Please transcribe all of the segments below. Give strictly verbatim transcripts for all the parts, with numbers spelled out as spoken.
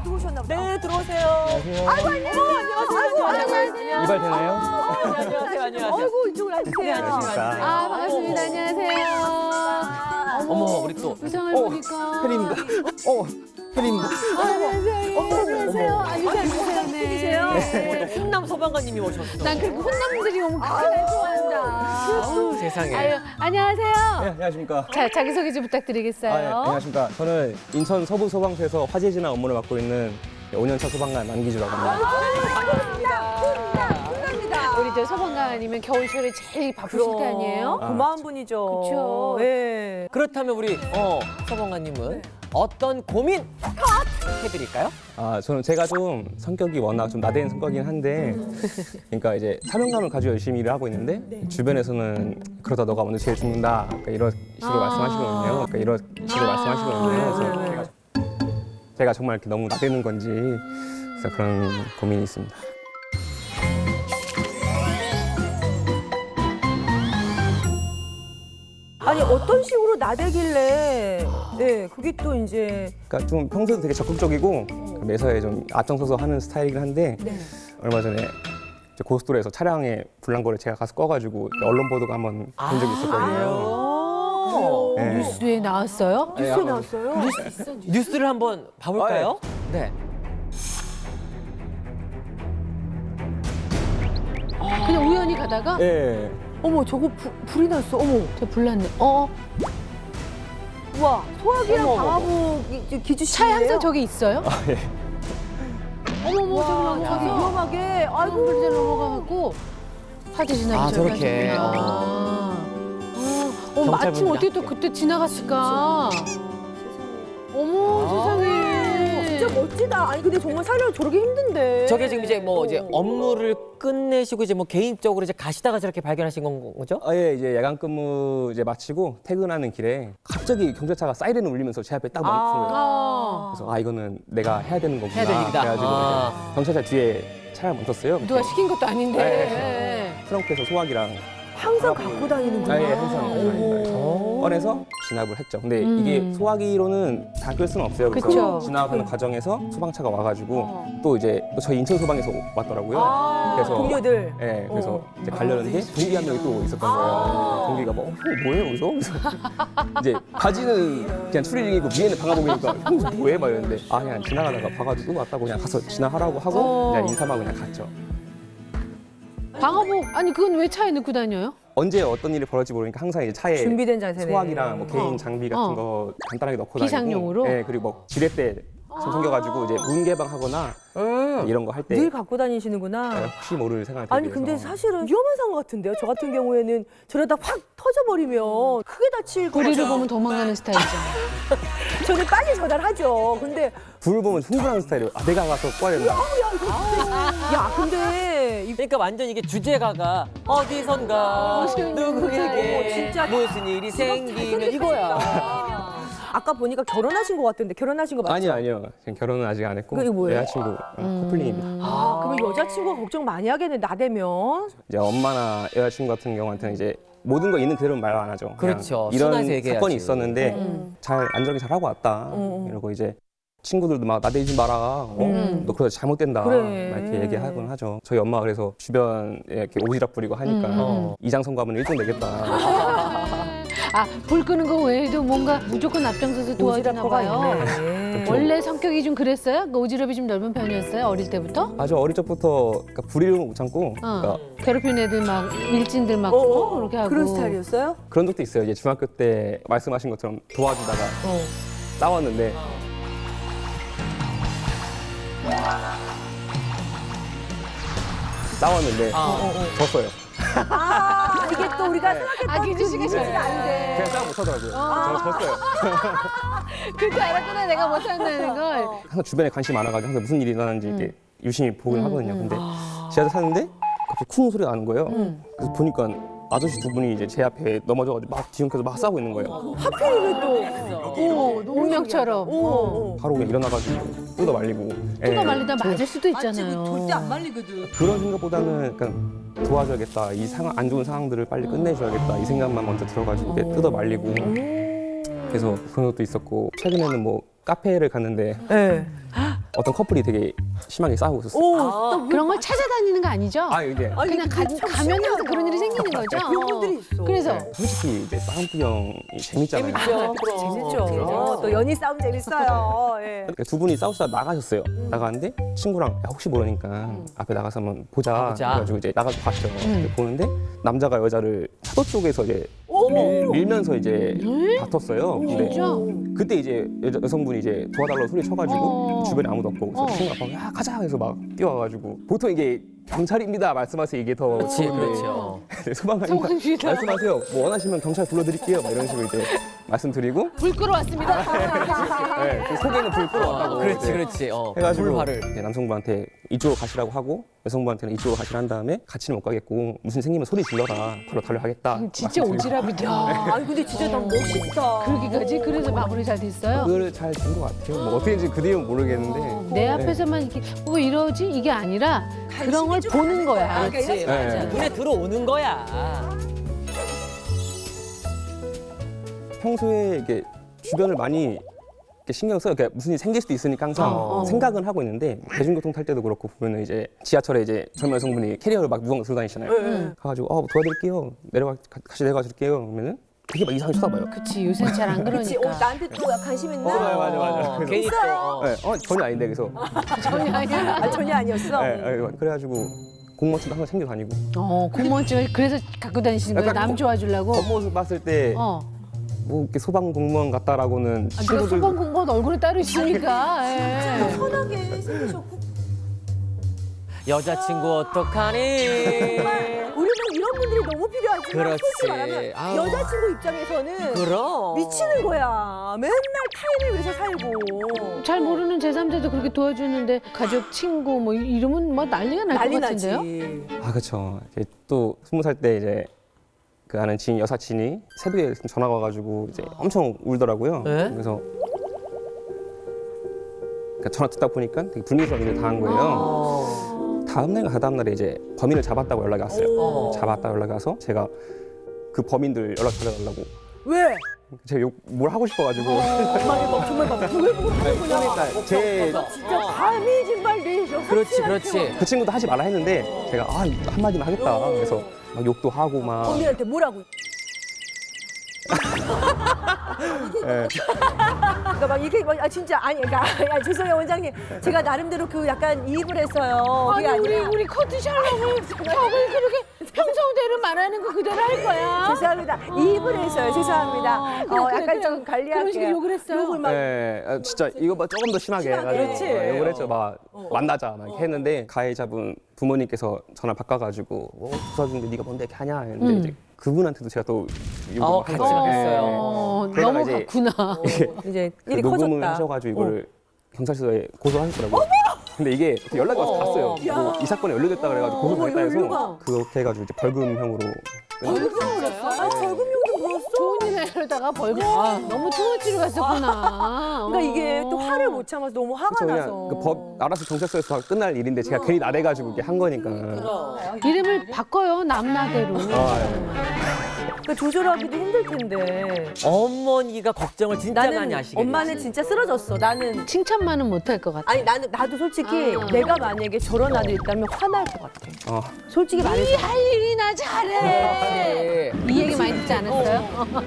들어오셨나 보다. 네, 들어오세요. 안녕하세요. 아이고, 안녕하세요. 아이고, 안녕하세요. 이발 되나요? 안녕하세요, 안녕하세요. 아이고, 이쪽으로 앉으세요. 네, 앉으시면 앉으세요. 아, 반갑습니다. 안녕하세요. 어머, 우리 또. 의상을 어, 보니까. 팬입니다. 어, 팬입니다. 아, 안녕하세요. 어머, 안녕하세요. 앉으세요. 무슨 분이세요? 오늘 홍남 소방관님이 오셨어. 난 그렇게 혼남들이 오면 그렇게 좋아한다. 아우, 세상에. 아유, 안녕하세요. 네, 안녕하십니까. 자, 자기소개 좀 부탁드리겠어요. 아, 네, 안녕하십니까. 저는 인천 서부 소방서에서 화재 진화 업무를 맡고 있는 오 년차 소방관 남기주라고 합니다. 우리 저 소방관 아니면 겨울철에 제일 바쁘실 때 아니에요? 아, 고마운 분이죠. 그쵸. 네. 그렇다면 우리 어, 소방관님은 어떤 고민 해드릴까요? 아, 저는 제가 좀 성격이 워낙 좀 나대는 성격이긴 한데, 그러니까 이제 사명감을 가지고 열심히 일을 하고 있는데, 주변에서는 그러다 너가 먼저 제일 죽는다. 그러니까 이런 식으로 말씀하시거든요. 그러니까 이런 식으로 말씀하시거든요. 그래서 제가, 제가 정말 이렇게 너무 나대는 건지, 그래서 그런 고민이 있습니다. 아니, 어떤 식으로 나대길래, 네, 그게 또 이제. 그러니까 좀 평소에도 되게 적극적이고 매사에 좀 앞장서서 하는 스타일이긴 한데 네. 얼마 전에 이제 고속도로에서 차량에 불난 거를 제가 가서 꺼가지고 언론 보도가 한번 본 적이 있었거든요. 오. 네. 뉴스에 나왔어요? 네, 뉴스에 한번 나왔어요? 뉴스를 한번 봐볼까요? 네. 그냥 우연히 가다가 예. 어머, 저거 부, 불이 났어. 어머. 저 불났네. 어, 와, 소화기랑 어머, 어머, 방화복 기주시. 차에 항상 저기 있어요? 아, 예. 어머머, 저기 와, 저기 넘어가서. 위험하게. 아이고, 아이고. 불들 넘어가갖고 화재 지나기 아, 전까지. 저렇게. 아. 어, 어, 마침 경찰분들이 어떻게 또 그때 지나갔을까? 어머, 아. 세상에. 진짜 멋지다. 아니, 근데 정말 살려고 저렇게 힘든데. 저게 지금 이제 뭐 이제 업무를 끝내시고 이제 뭐 개인적으로 이제 가시다가 저렇게 발견하신 건 거죠? 아, 예, 이제 야간 근무 이제 마치고 퇴근하는 길에 갑자기 경찰차가 사이렌을 울리면서 제 앞에 딱 멈춘 거예요. 아. 그래서 아, 이거는 내가 해야 되는 거구나. 해야 될 일이다. 그래가지고 아. 이제 경찰차 뒤에 차를 멈췄어요. 누가 시킨 것도 아닌데. 네. 트렁크에서 소화기랑 항상 갖고 다니는구나. 아, 예, 항상 오. 꺼내서 진압을 했죠. 근데 음. 이게 소화기로는 다 끌 수는 없어요. 그래서 그쵸. 진압하는 과정에서 소방차가 와가지고 어. 또 이제 또 저희 인천 소방에서 왔더라고요. 아, 그래서 동료들. 예, 그래서 어. 이제 가려는데 동기 한 명이 또 있었던 거예요. 동기가 뭐, 어, 형 뭐해 여기서? 그래서 이제 바지는 그냥 추리닝이고 위에는 방화복이니까 형 뭐해? 막 이랬는데 아 그냥 지나가다가 봐가지고 또 왔다고 그냥 가서 지나가라고 하고 어. 그냥 인사만 그냥 갔죠. 방화복, 아니, 그건 왜 차에 넣고 다녀요? 언제 어떤 일이 벌어질지 모르니까 항상 이제 차에 준비된 자세네. 소화기랑 뭐 개인 어. 장비 같은 어. 거 간단하게 넣고 비상용으로? 다니고, 예, 그리고 뭐 지렛대 손 챙겨가지고 이제 문 개방하거나 음. 이런 거 할 때 늘 갖고 다니시는구나. 혹시 모를 생각을 아니 근데 사실은 위험한 상황 같은데요. 저 같은 경우에는 저러다 확 터져버리면 크게 다칠 거 우리를 같아요. 보면 도망가는 스타일이잖아. 저는 빨리 전화하죠. 근데 불을 보면 흥분하는 스타일이에요. 아 내가 가서 꺼야 된다. 야 근데 이 그러니까 완전 이게 주제가가 어디선가 무슨 누구에게 어, 진짜 무슨 일이 생기면 이거야. 아까 보니까 결혼하신 것 같은데 결혼하신 거 맞죠? 아니요 아니요. 지금 결혼은 아직 안 했고 그게 뭐예요? 여자친구 어, 커플링입니다. 아 그러면 여자친구가 걱정 많이 하겠네 나대면. 이제 엄마나 여자친구 같은 경우한테는 이제 모든 거 있는 그대로는 말 안 하죠. 그냥 그렇죠. 이런 순화해서 얘기해야지. 사건이 있었는데 음. 잘 안전하게 잘 하고 왔다. 음. 이러고 이제 친구들도 막 나대지 마라. 어? 음. 너 그러다 잘못된다. 그래. 막 이렇게 얘기하곤 하죠. 저희 엄마가 그래서 주변에 이렇게 오지랖 부리고 하니까 음. 어, 이장성 가면 일 등 내겠다. 아, 불 끄는 거 외에도 뭔가 무조건 앞장서서 도와주나 오지랖퍼가 봐요. 있네. 원래 성격이 좀 그랬어요? 그 오지랖이 좀 넓은 편이었어요? 어릴 때부터? 아주 어릴 적부터 그러니까 불이름을 못 참고 어. 그러니까 괴롭히는 애들 막 밀진들 막 어, 어, 어, 그렇게 하고. 그런 스타일이었어요? 그런 적도 있어요. 이제 중학교 때 말씀하신 것처럼 도와주다가 어. 싸웠는데 싸웠는데 아. 졌어요. 아 이게 또 우리가 생각했던 아, 기주 씨가 그 졌어요. 안 돼. 그냥 싸움 못 하더라고요. 저는 졌어요. 그때 알았구나, 내가 못한다는 걸. 항상 주변에 관심이 많아가지고 항상 무슨 일이 일어나는지 이렇게 유심히 보긴 하거든요. 근데 아. 지하철 타는데 갑자기 쿵 소리가 나는 거예요. 음. 그래서 보니까 아저씨 두 분이 이제 제 앞에 넘어져가지고 막 뒤엉켜서 막 싸우고 있는 거예요. 하필이면 또. 오, 너무 운명처럼. 오, 오. 바로 그냥 일어나가지고 뜯어 말리고. 뜯어 예. 말리다 맞을 수도 있잖아요. 그런 생각보다는 약간 도와줘야겠다. 이 상황, 안 좋은 상황들을 빨리 끝내줘야겠다. 이 생각만 먼저 들어가지고 이렇게 뜯어 말리고. 그래서 그런 것도 있었고 최근에는 뭐 카페를 갔는데 네. 어떤 커플이 되게 심하게 싸우고 있었어요. 오, 아. 또 그런 걸 찾아다니는 거 아니죠? 아 이게 아니, 그냥 가, 참 가면 항상 신기하다. 그런 일이 생기는 거죠. 그런 분들이 있어. 그래서 네, 솔직히 이제 싸움 구경이 재밌잖아요. 재밌죠. 재밌죠. 그럼. 또 연희 싸움 재밌어요. 예. 그러니까 두 분이 싸우다 나가셨어요. 나가는데 친구랑 야, 혹시 모르니까 앞에 나가서 한번 보자. 아, 보자. 그래가지고 이제 나가서 봤죠. 음. 보는데 남자가 여자를 차도 쪽에서 이제 오, 밀, 밀면서 이제 다퉜어요. 근데 진짜? 그때 이제 여자, 여성분이 이제 도와달라고 소리 쳐가지고 어. 주변에 아무도 없고 그래서 어. 친구가 막 야 가자 해서 막 뛰어와가지고 보통 이게 경찰입니다 말씀하세요 이게 더 그렇지, 좋은데 그렇죠. 소방관님 소방관이다. 말씀하세요. 뭐 원하시면 경찰 불러드릴게요. 막 이런 식으로 이제 말씀드리고 불 끌어왔습니다. 네, 그 속에는 불 끌어왔다고 그렇지, 이제 그렇지. 어, 해가지고 불화를. 이제 남성분한테 이쪽으로 가시라고 하고 여성분한테는 이쪽으로 가시라 한 다음에 같이는 못 가겠고 무슨 생기면 소리 질러라 바로 달려가겠다. 진짜 말씀드리고. 오지랖이다. 아니 근데 진짜 난 멋있다. 그러기까지 그래서 마무리 잘 됐어요. 그걸 잘 된 것 같아요. 뭐 어떻게 된지 그 뒤는 모르겠는데 내 앞에서만 이렇게 뭐 이러지 이게 아니라 그런 걸 보는 거야. 그렇지, 맞아. 맞아. 눈에 들어오는 거야. 평소에 이게 주변을 많이 이렇게 신경 써요. 그러니까 무슨 일이 생길 수도 있으니까 항상 어. 생각은 하고 있는데 대중교통 탈 때도 그렇고 보면은 이제 지하철에 이제 젊은 여성분이 캐리어를 막 무거운 거 들고 다니시잖아요. 네. 가가지고 어 도와드릴게요. 내려가 가- 같이 내려가 줄게요. 그러면은 되게 막 이상하게 쳐다봐요. 그치 요새는 잘 안 그렇지. 어, 그러니까. 나한테 또 관심 있나? 맞아요, 맞아요, 맞아요. 어, 그래서- 괜히 또. 어. 네, 어 전혀 아닌데 그래서 전혀 아니야. 아, 전혀 아니었어. 네, 네, 그래가지고 공무원증도 항상 챙겨 다니고 어 공무원증을 그래서 갖고 다니시는 거예요. 약간 남 거- 좋아주려고. 겉모습 봤을 때 뭐 어. 이렇게 소방 공무원 같다라고는 아, 내가 친구들 소방 공무원 얼굴에 따로 있으니까. 예. 편하게 생기셨고. 여자친구 어떡하니? 우리는 이런 분들이 너무 필요하지만 그렇지. 솔직히 말하면 아우. 여자친구 입장에서는 그럼. 미치는 거야. 맨날 타인을 위해서 살고. 잘 모르는 제삼자도 그렇게 도와주는데 가족, 친구 뭐 이- 이러면 뭐 난리가 날 것 난리 나지. 같은데요? 아 그렇죠. 또 스무 살 때 이제 그 아는 지인 여사친이 새벽에 전화가 와가지고 이제 엄청 울더라고요. 네? 그래서 그러니까 전화 듣다 보니까 되게 불미스러운 일을 당한 거예요. 어. 다음 날과 다다음 날에 이제 범인을 잡았다고 연락이 왔어요. 오. 잡았다 연락이 와서 제가 그 범인들 연락 달려달라고 왜? 제가 욕, 뭘 하고 싶어가지고 정말 막 정말 막 왜 보고 하는 거냐. 그러니까 제 진짜 감히 정말 내 그렇지, 그렇지. 그 친구도 하지 말라 했는데 제가 아 한마디만 하겠다. 그래서 막 욕도 하고 막 범인한테 뭐라고? 예. 그러니까 막 이렇게 막, 아 진짜 아니 그러니까 아, 죄송해요 원장님 제가 나름대로 그 약간 이입을 했어요. 아니 그게 우리 아니라 우리 커트 샬롬을 벽을 그렇게 평소대로 말하는 거 그대로 할 거야. 죄송합니다. 이입을 했어요. 죄송합니다. 아, 그래, 어, 그래, 약간 그래. 좀 관리할게요. 그런 식으로 욕을 했어요? 욕을 막 예, 아, 진짜 이거 막 조금 더 심하게 심하게. 해가지고 그렇지. 예, 욕을 했죠. 막 만나자 막 이렇게 했는데 가해자분 부모님께서 전화 바꿔가지고 뭐 도와주는데 네가 뭔데 이렇게 하냐 했는데 음. 이제 그분한테도 제가 또 욕을 어, 한 같이 거예요. 예, 했어요. 어, 그러다가 이제- 넘어갔구나. 이제 그 일이 녹음을 커졌다. 하셔가지고 이거를 경찰서에 고소하셨더라고요. 근데 이게 연락이 와서 갔어요. 야. 뭐 이 사건이 연루됐다 그래가지고 어머, 고소했다 이거 해서 이거. 그렇게 해가지고 이제 벌금형으로 벌금형으로 했어? 아, 벌금형도 물었어? 좋은 일 하려다가 벌금. 아, 너무 투머치로 갔었구나. 그러니까 이게 또 어. 화를 못 참아서 너무 화가 그쵸, 나서. 그냥 그 법 알아서 경찰서에서 다 끝날 일인데 제가 괜히 나대가지고 이렇게 한 거니까. 이름을 바꿔요 남나대로. 아, 예. 그 조절하기도 힘들 텐데. 어머니가 걱정을 진짜 많이 나는 하시겠지. 엄마는 진짜 쓰러졌어. 나는 칭찬만은 못할 것 같아. 아니 나는 나도 솔직히 아. 내가 만약에 저런 아들 있다면 화날 것 같아. 어. 솔직히 말해서. 할 일이나 잘해. 네. 이 얘기 많이 듣지 않았어요?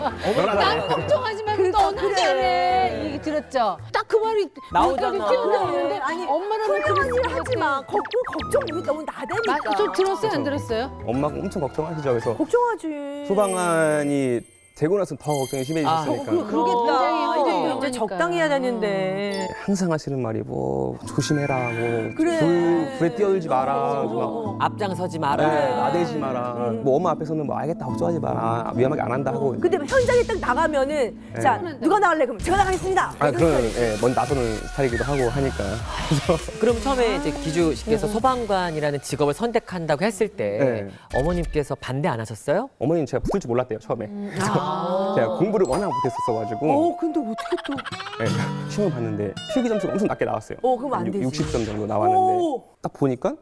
난 걱정하지 말고 너나 그래. 잘해. 이 얘기 들었죠? 딱 그 말이 나오잖아. 눈까지 튀어나오는데 아니, 엄마는 훌륭한 일 하지 마. 걱, 걱정 못 너무 나대니까. 저 들었어요 안 들었어요? 엄마가 엄청 걱정하시죠. 그래서 걱정하지. 소방관이 되고 나서 더 걱정이 아, 심해지셨으니까. 그, 그러겠다. 굉장히 이제 또 이제 그러니까. 적당히 해야 되는데. 항상 하시는 말이 뭐 조심해라, 뭐 그래. 불, 불에 뛰어들지 마라, 막 어. 앞장서지 네, 마라. 나대지 마라. 뭐 엄마 앞에서는 뭐 알겠다, 걱정하지 마라, 위험하게 안 한다 하고. 근데 현장에 딱 나가면은 자 누가 나갈래 그럼 제가 나가겠습니다. 아, 그런 예, 먼저 나서는 스타일이기도 하고 하니까. 그럼 처음에 이제 기주 씨께서 소방관이라는 직업을 선택한다고 했을 때 네. 어머님께서 반대 안 하셨어요? 어머니는 제가 붙을 줄 몰랐대요 처음에. 아. 제가 공부를 워낙 못했었어가지고 어 근데 어떻게 또? 네, 시험을 봤는데 필기 점수가 엄청 낮게 나왔어요. 어 그럼 안 되지. 육십 점 정도 나왔는데 오. 딱 보니까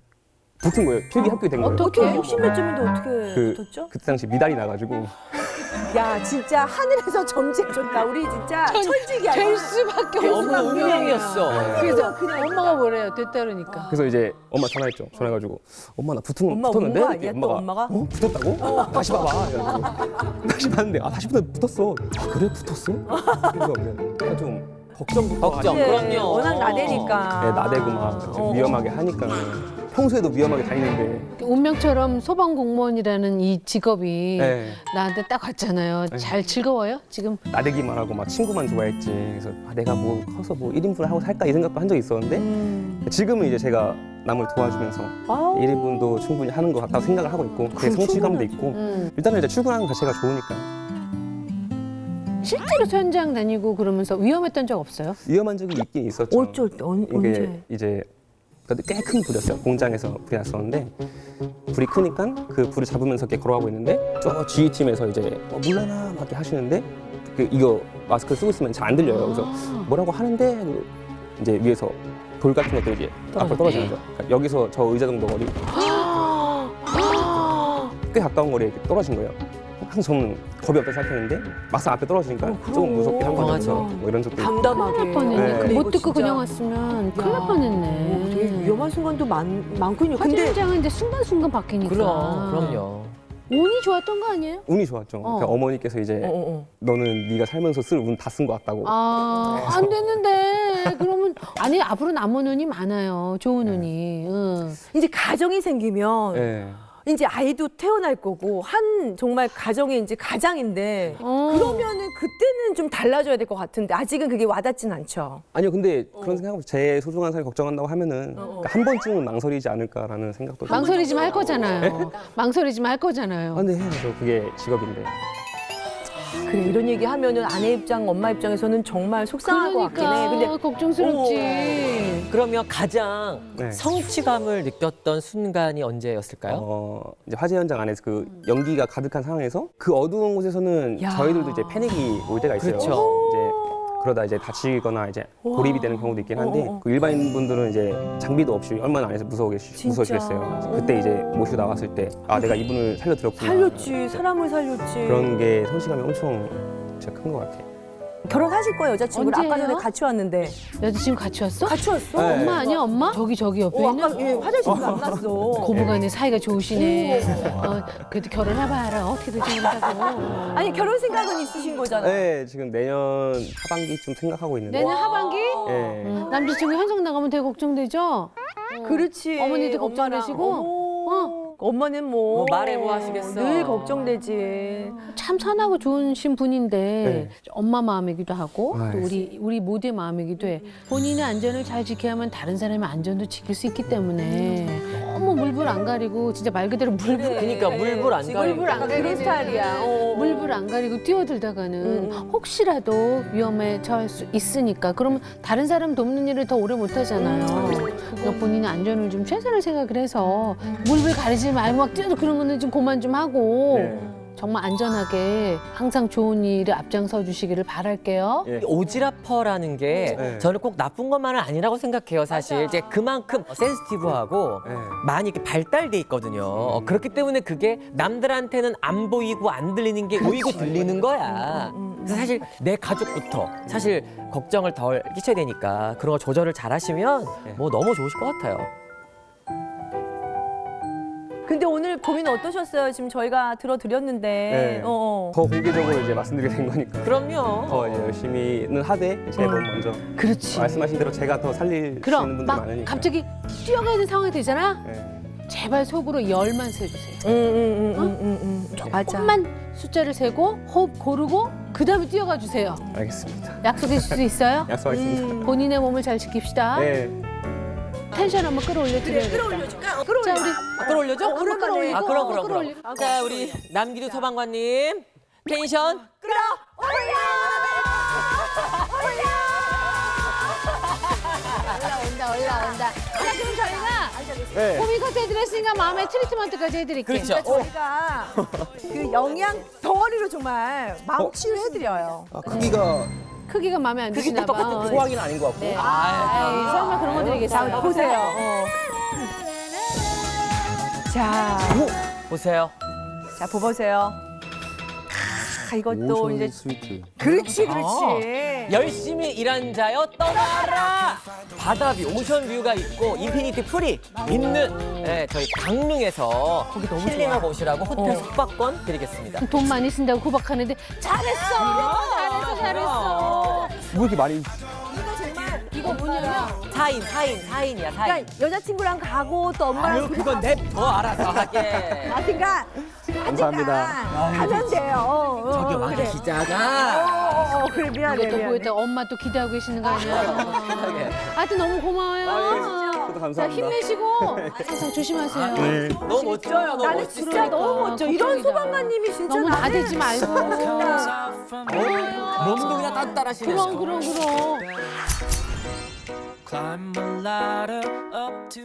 붙은 거예요. 필기 합격이 된 거예요. 어떻게 육십 몇 점인데 어떻게 그, 붙었죠? 그때 당시 미달이 나가지고 야 진짜 하늘에서 점지해줬다. 우리 진짜 천직이야. 될 수밖에 그게 없는 없는 운명이었어. 그래서 그냥 엄마가 뭐래요? 됐다 그러니까. 그래서 이제 엄마 전화했죠. 전화해가지고 엄마 나 붙은 엄마 붙었는데 온 거 아니야, 또 엄마가? 어 붙었다고? 다시 봐봐. 이래가지고 다시 봤는데 아 다시 붙 붙었어. 아 그래 붙었어? 그래서 그냥 좀 걱정부터 걱정, 하니까. 그럼요. 워낙 나대니까. 네, 나대고 막 좀 위험하게 하니까 평소에도 위험하게 다니는데 운명처럼 소방 공무원이라는 이 직업이 네. 나한테 딱 왔잖아요. 잘 즐거워요? 지금 나대기만 하고 막 친구만 좋아했지. 그래서 아, 내가 뭐 커서 뭐 일 인분을 하고 살까 이 생각도 한 적이 있었는데 음. 지금은 이제 제가 남을 도와주면서 아우. 일 인분도 충분히 하는 것 같다고 생각을 하고 있고 그게 성취감도 있고 음. 일단은 이제 출근하는 것 자체가 좋으니까 실제로 현장 다니고 그러면서 위험했던 적 없어요? 위험한 적이 있긴 있었죠. 어쩔 때 언, 이게 언제? 이제 꽤 큰 불이었어요. 공장에서 불이 났었는데 불이 크니까 그 불을 잡으면서 이렇게 걸어가고 있는데 저 지휘팀에서 이제 어, 물러나 막 이렇게 하시는데 그 이거 마스크 쓰고 있으면 잘 안 들려요. 그래서 뭐라고 하는데 그리고 이제 위에서 돌 같은 것들이 이제 앞으로 떨어지는 거죠. 그러니까 여기서 저 의자 정도 거리 꽤 가까운 거리에 이렇게 떨어진 거예요. 항상 저는 겁이 없던 상태인데 막상 앞에 떨어지니까 어, 그럼. 조금 무섭게 한 거죠. 맞아. 뭐 이런 적도 있고. 담담하게. 큰일 날 뻔했네. 네. 그거 못 이거 듣고 진짜- 그냥 왔으면 큰일 날 야, 뻔했네. 어, 되게 위험한 순간도 많, 많군요. 화재 근데 현장인데 순간순간 바뀌니까. 그럼, 그럼요. 운이 좋았던 거 아니에요? 운이 좋았죠. 그러니까 어머니께서 이제 어, 어, 어. 너는 네가 살면서 쓸 운 다 쓴 것 같다고. 아, 안 됐는데. 그러면, 아니, 앞으로 남은 운이 많아요. 좋은 운이. 응. 이제 가정이 생기면 네. 이제 아이도 태어날 거고 한 정말 가정의 이제 가장인데 어. 그러면은 그때는 좀 달라져야 될 것 같은데 아직은 그게 와닿진 않죠. 아니요, 근데 어. 그런 생각하고 제 소중한 사람이 걱정한다고 하면은 그러니까 한 번쯤은 망설이지 않을까라는 생각도 좀. 망설이지만 할 거잖아요. 망설이지만 할 거잖아요. 아, 근데 해야죠. 그게 직업인데. 그래 이런 얘기 하면은 아내 입장, 엄마 입장에서는 정말 속상할 것 같긴 해. 그러니까 근데 걱정스럽지. 그러면 가장 네. 성취감을 느꼈던 순간이 언제였을까요? 어, 이제 화재 현장 안에서 그 연기가 가득한 상황에서 그 어두운 곳에서는 야. 저희들도 이제 패닉이 올 때가 있어요. 그렇죠. 이제 그러다 이제 다치거나 이제 고립이 되는 경우도 있긴 한데 어, 어, 어. 그 일반인 분들은 이제 장비도 없이 얼마나 안에서 무서워 계시, 무서우시겠어요. 그때 이제 모시고 나왔을 때 아 내가 이분을 살려드렸구나. 살렸지, 사람을 살렸지. 그런 게 성취감이 엄청 진짜 큰 것 같아요. 결혼하실 거예요, 여자친구를. 아까 언제예요? 전에 같이 왔는데. 여자친구 같이 왔어? 같이 왔어? 네. 엄마 아니야, 엄마? 저기, 저기 옆에 어, 있는? 아까 예, 화장실 안 났어. 고부간에 사이가 좋으시네. 어, 그래도 결혼해봐라. 어떻게든 결혼하고. 아니 결혼 생각은 있으신 거잖아. 네, 지금 내년 하반기쯤 생각하고 있는데. 내년 하반기? 예. 음, 남자친구 현장 나가면 되게 걱정되죠? 그렇지. 어머니도 엄마랑. 걱정되시고? 어머. 엄마는 뭐, 뭐 말해 뭐 하시겠어. 늘 걱정되지. 참 선하고 좋으신 분인데 네. 엄마 마음이기도 하고 또 아이. 우리 우리 모두의 마음이기도 해. 본인의 안전을 잘 지켜야만 다른 사람의 안전도 지킬 수 있기 때문에 너무 물불 안 가리고 진짜 말 그대로 물불 그러니까 물불 안 지금 가리고. 물불 안 가리는 그런 스타일이야. 어. 물불 안 가리고 뛰어들다가는 음. 혹시라도 위험에 처할 수 있으니까 그러면 다른 사람 돕는 일을 더 오래 못 하잖아요. 그러니까 본인의 안전을 좀 최선을 생각을 해서 물불 가리지 말고 막 뛰어도 그런 거는 좀 그만 좀 하고 네. 정말 안전하게 항상 좋은 일에 앞장서 주시기를 바랄게요. 예. 오지라퍼라는 게 네. 저는 꼭 나쁜 것만은 아니라고 생각해요. 사실 이제 그만큼 센시티브하고 네. 많이 이렇게 발달돼 있거든요. 어, 그렇기 때문에 그게 남들한테는 안 보이고 안 들리는 게 보이고 들리는 거야. 그래서 사실 내 가족부터 사실 걱정을 덜 끼쳐야 되니까 그런 거 조절을 잘 하시면 뭐 너무 좋으실 것 같아요. 근데 오늘 고민 어떠셨어요? 지금 저희가 들어드렸는데. 네. 어, 어. 더 공개적으로 이제 말씀드리게 된 거니까. 그럼요. 더 이제 열심히는 하되 제 몸 먼저 그렇지. 말씀하신 대로 제가 더 살릴 수 그럼 있는 분들 막 많으니까. 갑자기 뛰어가야 되는 상황이 되잖아. 네. 제발 속으로 열만 세주세요. 응, 응, 응, 응, 응, 응. 맞아. 조금만 숫자를 세고 호흡 고르고 그 다음에 뛰어가 주세요. 알겠습니다. 약속해 줄 수 있어요? 약속하겠습니다. 본인의 몸을 잘 지킵시다. 네. 텐션 한번 끌어올려 드려요. 끌어올려줄까? 어, 자 끌어올려. 우리 아, 끌어올려줘? 어, 오랜만에. 아, 그럼, 그럼, 그럼. 끌어올리고. 자, 우리 남기두 소방관님. 텐션. 올라온다 올라온다. 자 그럼 저희가 네. 호미 커트 해드렸으니까 마음의 트리트먼트까지 해드릴게요. 그렇죠. 저희가 그 영양 덩어리로 정말 마음 치유를 해드려요. 아, 크기가 크기가 마음에 안 그게 드시나 또 봐. 똑같은 소화기는 아닌 것 같고. 네. 아, 아이, 설마 그런 거 드리겠어요. 자, 보세요. 어. 자, 보세요. 자, 보세요. 아, 이것도 이제 스위트. 그렇지, 그렇지. 어. 열심히 일한 자여 떠나라. 바다뷰, 오션뷰가 있고 인피니티 풀이 있는 예, 저희 강릉에서 힐링하고 오시라고 호텔 숙박권 드리겠습니다. 돈 많이 쓴다고 구박하는데 잘했어. 잘했어, 잘했어. 뭐 이렇게 많이 이거 뭐냐면 사인, 사인, 사인이야, 사인. 그러니까 여자친구랑 가고 또 엄마랑 아유, 그건 냅둬 알아서 하게. 하여튼간 감사합니다. 하여튼간 가면 돼요. 어, 어, 저기 어, 왕 그래. 기자가. 어, 어, 어, 그래 미안해 이것도 미안해. 보였다. 엄마 또 기대하고 계시는 거 아니야? 예. 하여튼 너무 고마워요. 저도 자, 감사합니다. 힘내시고 항상 조심하세요. 네. 너무 멋져요, 너무 나는 멋지세요. 진짜 너무 멋져. 이런 걱정이다. 소방관님이 진짜 너무 나는 나대지 말고. 몸도 그냥 딴따라시네요. 그럼 그럼 그럼. Climb a ladder up to